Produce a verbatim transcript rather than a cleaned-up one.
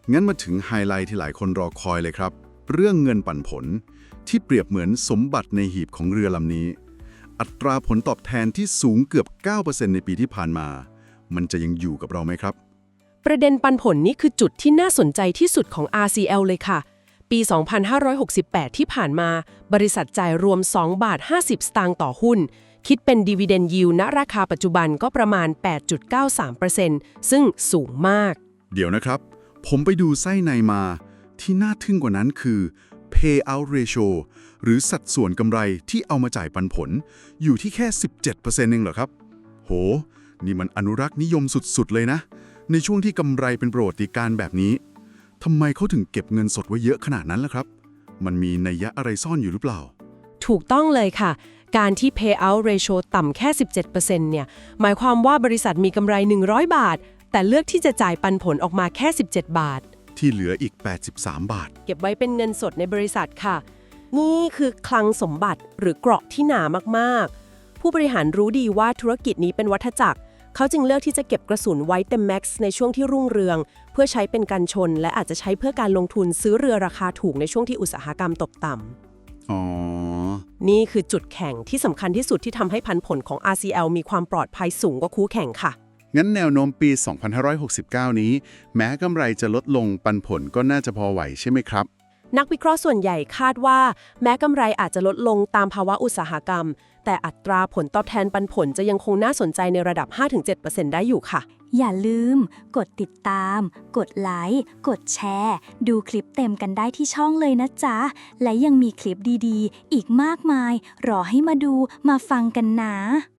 งั้นมาถึงไฮไลท์ที่หลายคนรอคอยเลยครับ เรื่องเงินปันผลที่เปรียบเหมือนสมบัติในหีบของเรือลำนี้ อัตราผลตอบแทนที่สูงเกือบ เก้าเปอร์เซ็นต์ ในปีที่ผ่านมา มันจะยังอยู่กับเราไหมครับประเด็นปันผลนี้คือจุดที่น่าสนใจที่สุดของ อาร์ ซี แอล เลยค่ะ ปี สองพันห้าร้อยหกสิบแปด ที่ผ่านมา บริษัทจ่ายรวม สองบาทห้าสิบ สตางค์ต่อหุ้น คิดเป็น Dividend Yield ณราคาปัจจุบันก็ประมาณ แปดจุดเก้าสามเปอร์เซ็นต์ ซึ่งสูงมากเดี๋ยวนะครับ ผมไปดูไส้ในมา ที่น่าทึ่งกว่านั้นคือ Payout Ratio หรือสัดส่วนกำไรที่เอามาจ่ายปันผล อยู่ที่แค่ สิบเจ็ดเปอร์เซ็นต์ เองเหรอครับ โห นี่มันอนุรักษ์นิยมสุดๆเลยนะ ในช่วงที่กำไรเป็นประวัติการณ์แบบนี้ทำไมเขาถึงเก็บเงินสดไว้เยอะขนาดนั้นล่ะครับ มันมีนัยยะอะไรซ่อนอยู่หรือเปล่าถูกต้องเลยค่ะ การที่ Payout Ratio ต่ำแค่ สิบเจ็ดเปอร์เซ็นต์ เนี่ย หมายความว่าบริษัทมีกำไร หนึ่งร้อย บาท แต่เลือกที่จะจ่ายปันผลออกมาแค่ สิบเจ็ด บาทที่เหลืออีก แปดสิบสาม บาทเก็บไว้เป็นเงินสดในบริษัทค่ะ นี่คือคลังสมบัติหรือเกราะที่หนามากๆ ผู้บริหารรู้ดีว่าธุรกิจนี้เป็นวัฏจักร เขาจึงเลือกที่จะเก็บกระสุนไว้เต็มแม็กซ์ในช่วงที่รุ่งเรือง เพื่อใช้เป็นกันชน และอาจจะใช้เพื่อการลงทุนซื้อเรือราคาถูกในช่วงที่อุตสาหกรรมตกต่ำอ๋อนี่คือจุดแข็งที่สำคัญที่สุดที่ทำให้พันผลของ อาร์ ซี แอล มีความปลอดภัยสูงกว่าคู่แข่งค่ะงั้นแนวโน้มปี สองพันห้าร้อยหกสิบเก้า นี้ แม้กำไรจะลดลงปันผลก็น่าจะพอไหวใช่ไหมครับนักวิเคราะห์ส่วนใหญ่คาดว่าแม้กำไรอาจจะลดลงตามภาวะอุตสาหกรรม แต่อัตราผลตอบแทนปันผลจะยังคงน่าสนใจในระดับ ห้าถึงเจ็ดเปอร์เซ็นต์ ได้อยู่ค่ะอย่าลืม กดติดตาม กดไลค์ กดแชร์ ดูคลิปเต็มกันได้ที่ช่องเลยนะจ๊ะ และยังมีคลิปดีๆ อีกมากมาย รอให้มาดู มาฟังกันนะ